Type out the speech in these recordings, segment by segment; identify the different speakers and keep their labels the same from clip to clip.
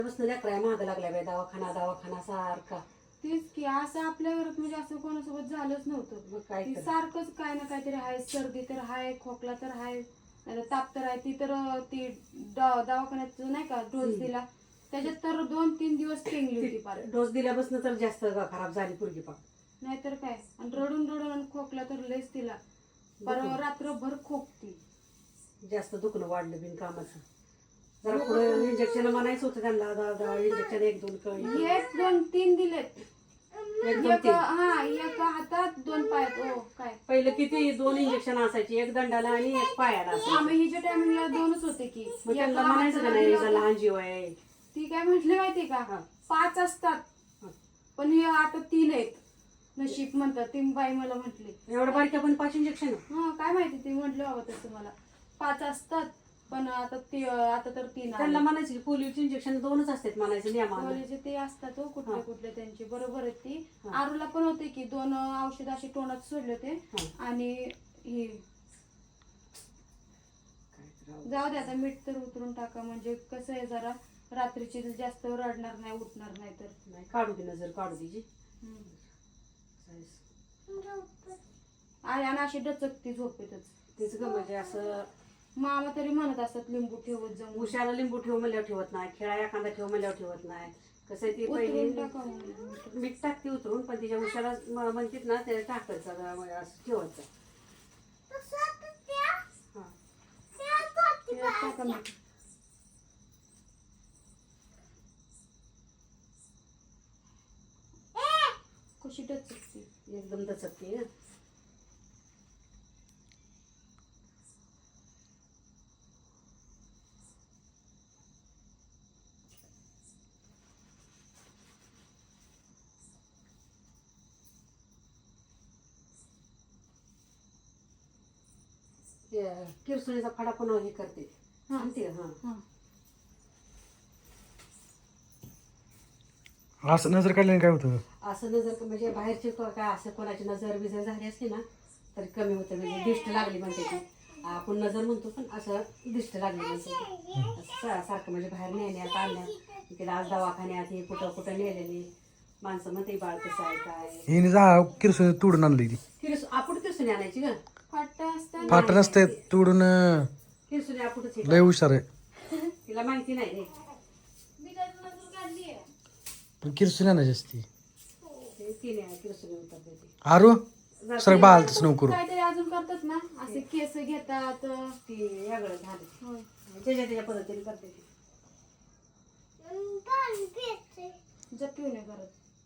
Speaker 1: बसनं लेकराय महाग लागलाय बाई, दवाखाना दवाखाना सारखा.
Speaker 2: तेच की असं आपल्या घरात म्हणजे असं कोणासोबत झालंच नव्हतं.
Speaker 1: मग काय
Speaker 2: ती
Speaker 1: तर.
Speaker 2: सारखंच काय ना काहीतरी आहे, सर्दी तर आहे, खोकला तर आहे, नाहीतर ताप तर आहे. ती तर ती दवाखान्यात नाही का डोस दिला त्याच्यात तर 2-3 दिवस टेंगली होती पार.
Speaker 1: डोस दिल्यापासून तर जास्त खराब झाली पोरगी पाक.
Speaker 2: नाहीतर काय. आणि रडून रडून आणि खोकला तर लयच तिला पर रात्रभर खोकती.
Speaker 1: जास्त दुखणं वाढलं बिन कामाचं. जरा पुढे इंजेक्शन म्हणायचं होतं त्यांना, इंजेक्शन 1-2 कळी.
Speaker 2: 1-2-3 दिलेत.
Speaker 1: 1-2-3
Speaker 2: एक हातात 2 पायात. ओ काय
Speaker 1: पहिलं किती 2 इंजेक्शन असायची, 1 दंडाला आणि 1 पायाला असायची.
Speaker 2: आम्ही हिच्या टायमिंगला 2च होते की.
Speaker 1: मग त्यांना म्हणायचं का नाही हिचा लहान जीव आहे.
Speaker 2: ती काय म्हटली माहिती का, 5 असतात पण हे आता 3 आहेत. नशीब म्हणतात ती बाई मला म्हटली.
Speaker 1: एवढं बारक्या पण 5 इंजेक्शन.
Speaker 2: हा काय माहिती ते म्हटलं बाबा तसं मला. 5 असतात पण आता तर 3
Speaker 1: त्यांना म्हणायचं की पोलिओचे इंजेक्शन 2च असतात म्हणायचं नियमानं.
Speaker 2: कॉलेज ते असतात हो कुठले कुठले त्यांचे. बरोबर आहेत ती. आरूला पण होते की 2 औषध असे तोंडात सोडले होते आणि हे जाऊ दे आता मीठ तर उतरून टाका म्हणजे कसं आहे जरा रात्रीची जास्त रडणार नाही उठणार नाही तर.
Speaker 1: नाही काढू दे नजर काढू दे.
Speaker 2: आणि अशी डचकती झोपेतच.
Speaker 1: तेच ग म्हणजे असं
Speaker 2: मामा तरी म्हणत असतात लिंबू ठेवत जाऊन.
Speaker 1: उशाला लिंबू ठेव म्हणल्यावर ठेवत नाही, खेळा एखादा ठेव म्हणल्यावर ठेवत नाही. कसं आहे ती पहिली मीठ टाकते उतरून पण तिच्या उशाला म्हणतात ना ते टाकायचं असं ठेवायचं.
Speaker 2: कशी डचकती
Speaker 1: एकदम दचकते. किरसुणीचा फडा पण हे करते आणते.
Speaker 3: असं नजर काढल्याने काय होतं?
Speaker 1: असं नजर म्हणजे बाहेरची काय असं कोणाची नजर बिजर झाली असली ना तरी कमी होतं. म्हणजे दिष्ट लागली म्हणते ती. आपण नजर म्हणतो पण असं दिष्ट लागली म्हणते सारखं म्हणजे बाहेर नेण्यात आणण्यात. तिला आज दवाखान्यात हे कुठं कुठं नेलेली माणसं म्हणते बाळ कसं आहे काय.
Speaker 3: हिने जा किरसून तोडून आणली ती.
Speaker 1: आपण किरसुनी आणायची ग.
Speaker 3: फाट नसते तोडून.
Speaker 1: किरसुनी आपणच
Speaker 3: लय हुशार आहे.
Speaker 1: तिला माहिती नाही रे.
Speaker 3: पण किरसून आणायची असती.
Speaker 1: तिने किरसुनी उतरते ती.
Speaker 3: आरू सर बाल तसं नको करू.
Speaker 2: काहीतरी अजून करतात ना असे केस घेतात
Speaker 1: ती वेगळं झालं. त्याच्या पद्धतीने करते ती.
Speaker 2: जप्पी नाही करत.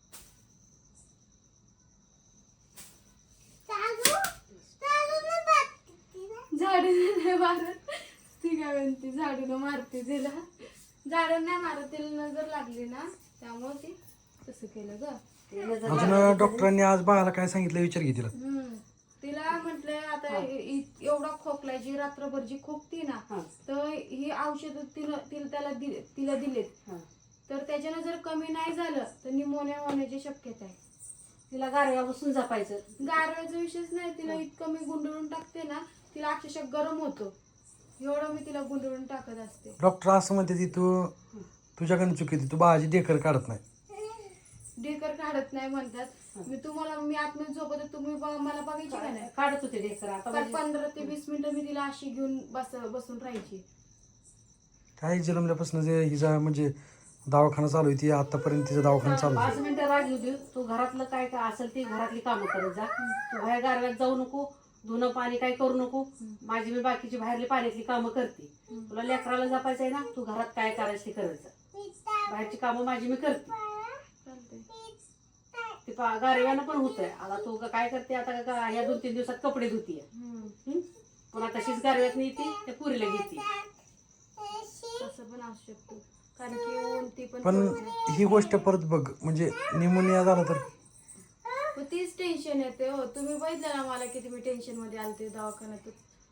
Speaker 2: झाडू नाही मारत ती काय म्हणते झाडून मारते तिला. झाडून नाही मारत तिला नजर लागली ना त्यामुळे ती तसं केलं ग.
Speaker 3: अजून डॉक्टरांनी आज बाळाला काय सांगितलं विचार घे तिला.
Speaker 2: तिला म्हटलंय आता एवढा खोकलाय जी रात्रभर जी खोकती ना तर ही औषध तिला दिलेत तर त्याच्यानं जर कमी नाही झालं तर निमोनिया होण्याची शक्यता आहे.
Speaker 1: तिला गारव्या बसून जपायचं.
Speaker 2: गारव्याचा विषयच नाही. तिला इतकं मी गुंडळून टाकते ना तिला अक्षरशः गरम होतो एवढं मी तिला गुंडळून टाकत असते.
Speaker 3: डॉक्टर असं म्हणते ती तू तुझ्याकडनं चुकीती तू बाळाची ढेकर काढत नाही.
Speaker 2: ढेकर काढत नाही म्हणतात. मी आतमध्ये झोपत तुम्ही मला बघायची का नाही.
Speaker 1: काढत होते ढेकर. आता
Speaker 2: 15 ते 20 मिनिटं मी तिला अशी घेऊन बसून राहायची.
Speaker 3: काही जन्मल्यापासून जे हिचा म्हणजे दवाखाना चालू आहे ती आतापर्यंत तिचा दवाखाना चालू
Speaker 1: 5 मिनिटं राहिली होती. तू घरातलं काय काय असेल ती घरातली कामं करत जा. तू बाहेर गारव्यात जाऊ नको. धुणं पाणी काय करू नको. मी बाकीची बाहेरली पाण्यातली कामं करते. तुला लेकराला जपायचंय ना तू घरात काय करायचं ते करत जा. बाहेरची कामं मी करते. ते गारव्यानं पण होतंय. आता तू काय करते आता या 2-3 दिवसात कपडे धुतीये पुन्हा तशीच गारव्यात नेते त्या पुरीला घेते.
Speaker 2: असं पण असू शकतो कारण की ऊन ती
Speaker 3: पण ही गोष्ट परत बघ म्हणजे निमोनिया झाला तर
Speaker 2: तीच टेन्शन येते हो. तुम्ही बघितलं ना मला किती मी टेन्शन मध्ये आलते दवाखान्यात.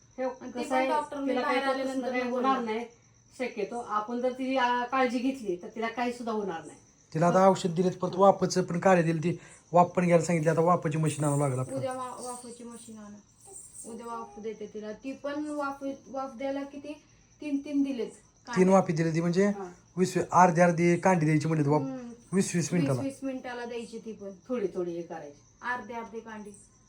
Speaker 1: डॉक्टर होणार नाही शक्यतो. आपण जर तिची काळजी घेतली तर तिला काही सुद्धा होणार नाही.
Speaker 3: तिला आता औषध दिलेत परत वाफचं पण काढे दिली ती वाफ पण घ्यायला सांगितली. आता वाफाची मशीन आणावं लागला.
Speaker 2: उद्या वाफाची मशीन आणा. उद्या वाफ देते तिला. ती पण वाफ द्यायला किती 3 दिलेत.
Speaker 3: 3 वाफी दिली ती म्हणजे
Speaker 1: हा.
Speaker 3: 20 अर्धी कांडी द्यायची म्हणजे 20
Speaker 2: वीस
Speaker 3: मिनिटाला.
Speaker 2: 20 मिनिटाला द्यायची ती पण
Speaker 1: थोडी थोडी हे करायची.
Speaker 2: अर्धे कांडी.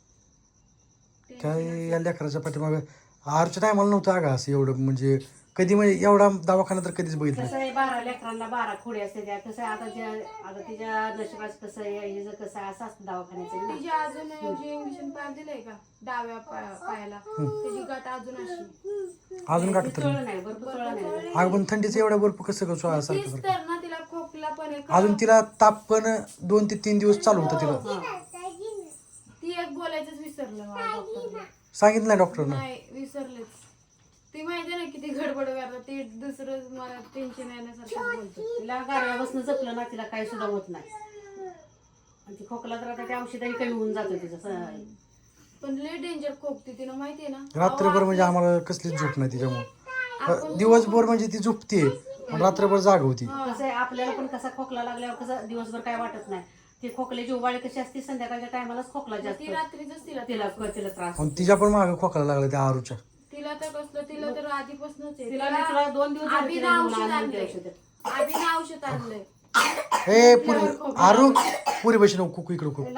Speaker 3: काय या लेकराच्या पाठीमागं आरच्या टायमाला नव्हतं अगं असं एवढं म्हणजे कधी म्हणजे एवढा दवाखाना तर कधीच बघितलं
Speaker 1: कसं आहे 12 लेकरांना 12 खोडी असते त्या. कसं आहे आता तिच्या नशिबाचं कसं आहे हिचं कसं आहे असं असतं दवाखान्याचं ना.
Speaker 2: तिची अजून जे इंजेक्शन पाहिजे का डाव्या पायाला त्याची गाठ अजून अशी
Speaker 3: अजून का तर
Speaker 1: चोळलं नाही भरपूर चोळलं नाही.
Speaker 3: अगं पण थंडीचं एवढ्या बर्फ कसं कसं
Speaker 2: तीच
Speaker 3: सारखं
Speaker 2: तर ना तिला खोकला पण आहे.
Speaker 3: अजून तिला ताप पण 2 ते 3 दिवस चालू होता तिला.
Speaker 2: ती एक बोलायचंच विसरलं मला डॉक्टरला.
Speaker 3: सांगितलं नाही डॉक्टरनं.
Speaker 2: नाही विसरलेच. ती माहिती ना किती गडबड करतात ते दुसरं मला टेन्शन येण्यासारखं बोलतो.
Speaker 1: तिला गारव्यापासून जपलं ना तिला काही सुद्धा होत नाही. आणि ती खोकला तर आता त्या औषधाने कमी होऊन जातं तिचं.
Speaker 2: पण लय डेंजर खोकते तिला माहितीये ना.
Speaker 3: रात्रभर म्हणजे आम्हाला कसलीच झोप नाही तिच्यामुळे. दिवसभर म्हणजे ती झोपते पण रात्रभर जाग होती.
Speaker 1: कसं आहे आपल्याला पण कसा खोकला लागल्यावर कसं दिवसभर काय वाटत नाही. ती खोकल्याची उबाळी कशी असते संध्याकाळच्या टायमालाच खोकला जास्त
Speaker 2: ती रात्रीच तिला
Speaker 1: तिला त्रास.
Speaker 3: आणि तिच्या पण मागं खोकला लागला त्या आरूच्या.
Speaker 2: तिला तर कसलं तिला तर आधीपासूनच आहे.
Speaker 1: तिला 2 दिवस झाले
Speaker 2: आबीनं
Speaker 1: तिला घेऊन
Speaker 2: औषध
Speaker 1: आणलं
Speaker 2: आणलंय.
Speaker 1: ते औषध.
Speaker 2: आबीनं औषध आणलंय.
Speaker 3: ए पुरी आरू पुरी बशी नको कुकू इकडं कुकू.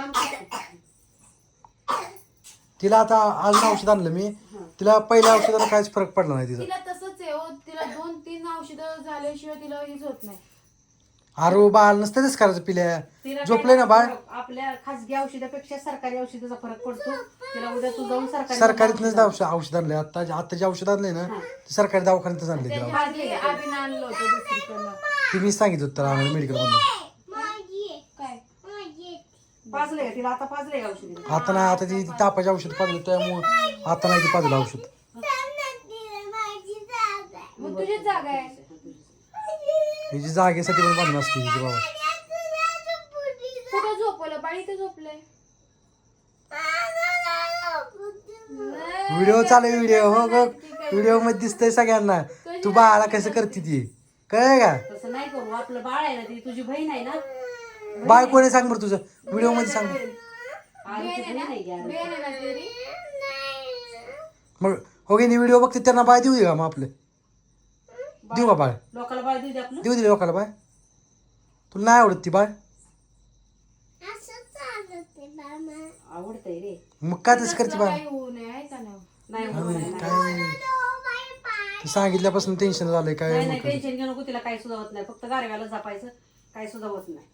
Speaker 3: तिला आता आज औषध आणलं मी. तिला पहिल्या औषधाला काहीच फरक पडला नाही तिचा.
Speaker 2: तिला तसंच आहे हो. तिला 2-3 औषधं झाल्याशिवाय तिला हेच होत नाही.
Speaker 3: आरू बाळ नसतंच करायचं पिल्या.
Speaker 1: तिला
Speaker 3: झोपले ना बाळ.
Speaker 1: आपल्या खासगी औषधापेक्षा सरकारी औषधाचा फरक पडतो. तिला उद्या तू जाऊन
Speaker 3: सरकारीतनंच औषध आणलंय. आता जे औषध आणलंय ना ते सरकारी दवाखान्यातच आणलंय तिला.
Speaker 2: त्याच्या आधी आबीनं आणलं होतं दुसरीकडनं.
Speaker 3: ती मी सांगितलं होतं आम्हाला मेडिकल मधून.
Speaker 2: काय
Speaker 1: पाजलंय तिला आता पाजलंय औषध.
Speaker 3: आता नाही आता ती तापाचे औषध पाजलं त्यामुळे आता नाही ती पाजलं औषध.
Speaker 2: मग तुझीच जागा आहे.
Speaker 3: हिची जागेसाठी पण बांधणं असते हिची बाबा.
Speaker 2: कुठं झोपवलं बाळी इथं झोपलंय.
Speaker 3: व्हिडिओ चालू व्हिडिओ हो ग व्हिडिओ मध्ये दिसतंय सगळ्यांना. तू बाळाला कसं करते ती कळलं का.
Speaker 1: तसं नाही करू. आपलं बाळ आहे ना ती तुझी बहीण आहे ना.
Speaker 3: बाळ कोणी सांग बरं तुझं व्हिडिओ मध्ये सांग.
Speaker 1: आरुची बहीण आहे की आरू.
Speaker 2: बेन आहे ना तेरी.
Speaker 3: मग हो की व्हिडिओ बघते त्यांना बाळ देऊ दे का मग आपलं. देऊ का बाळ.
Speaker 1: लोकाला बाळ देऊ दे आपलं.
Speaker 3: देऊ दे लोकाला बाळ. तुला नाही आवडत ती बाळ.
Speaker 1: आवडतंय रे.
Speaker 3: मग काय तसं करते बाळ.
Speaker 2: काही होऊ नये आहे का नाही.
Speaker 1: नाही होत नाही.
Speaker 3: काय ते सांगितल्यापासून टेन्शन झालंय काय.
Speaker 1: नाही टेन्शन घेऊ नको. तिला काही सुद्धा होत नाही. फक्त गारव्याला जपायचं. काही सुद्धा होत नाही.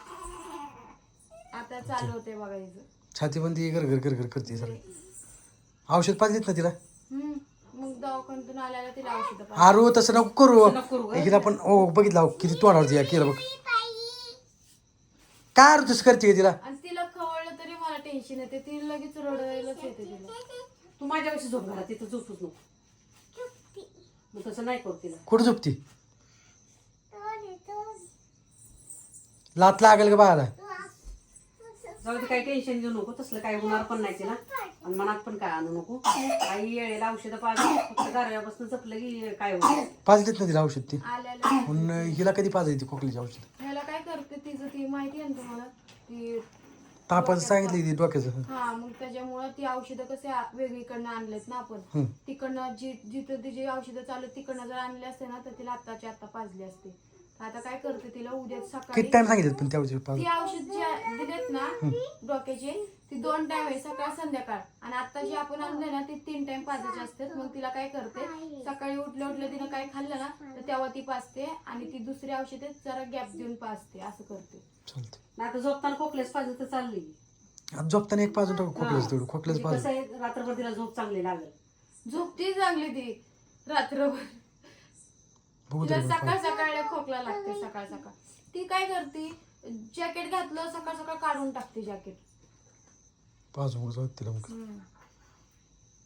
Speaker 2: आता चालू होते बघा हिचं.
Speaker 3: छाती पण ती घर करते सर. औषध पाहिजेत ना तिला.
Speaker 2: मग दवाखान्यातून आल्याला तिला औषध
Speaker 3: आरू तसं नको करू.
Speaker 1: नको करू गं.
Speaker 3: हिला पण हो बघितलं हो, किती तोंडावरती केलं बघ. काय आरू तसं करते तिला.
Speaker 2: आणि तिला खवळलं तरी मला टेन्शन येते. ती लगेच रडायलाच येते तिला.
Speaker 1: तू माझ्यापाशी झोप घाला. तिथं झोपूच नको. मग तसं नाही करू तिला.
Speaker 3: कुठं झोपती. लात लागेल का बाळाला.
Speaker 1: जाऊ दे काही टेन्शन घेऊ नको. तसलं काही होणार पण नाही तिला. आणि मनात पण काय आणू नको. काही वेळेला औषधं पाहिजे. फक्त गारव्यापासून जपलं की काय होतं.
Speaker 3: पाजलीत ना तिला औषध ती.
Speaker 2: आल्याला
Speaker 3: पण हिला कधी पाजायची खोकलीची औषध.
Speaker 2: ह्याला काय करते तिचं ती माहिती आहे ना तुम्हाला. ती
Speaker 3: तापाचं सांगितलं ती डोक्याचं.
Speaker 2: हा मग त्याच्यामुळं ती औषधं कसे वेगळीकडनं आणलेत ना आपण. तिकडनं जिथं तिची औषधं चालू तिकडनं जर आणले असते ना तर तिला आत्ताची आत्ता पाजली असते. आता काय करते तिला उद्या सकाळी
Speaker 3: किती टाइम सांगितलं पण त्या औषध पाज.
Speaker 2: ती औषध जे दिलेत ना डोक्याचे ती 2 टाइम आहे सकाळ संध्याकाळ. आणि आता जी आपण आणले ना ती 3 टाइम पाजायचे असतात. मग तिला काय करते सकाळी उठल्या तिनं काय खाल्लं ना तर तेव्हा ती पाजते. आणि ती दुसरी औषधे जरा गॅप देऊन पाजते असं करते.
Speaker 3: चालते.
Speaker 1: नाही आता झोपताना खोकलेच पाहिजे तर चालली.
Speaker 3: आता झोपताना एक पाजून टाकू खोकल्याच तेवढं खोकल्याच
Speaker 1: म्हणजे
Speaker 3: पाजून.
Speaker 1: कसं आहे रात्रभर तिला झोप चांगली लागेल.
Speaker 2: झोपती चांगली ती रात्रभर.
Speaker 3: बघू
Speaker 2: तिला
Speaker 3: तरी
Speaker 2: सकाळ सकाळ खोकला लागते सकाळ सकाळ. ती काय करते जॅकेट घातलं सकाळ सकाळ काढून टाकते जॅकेट.
Speaker 3: पाजून तिला मग.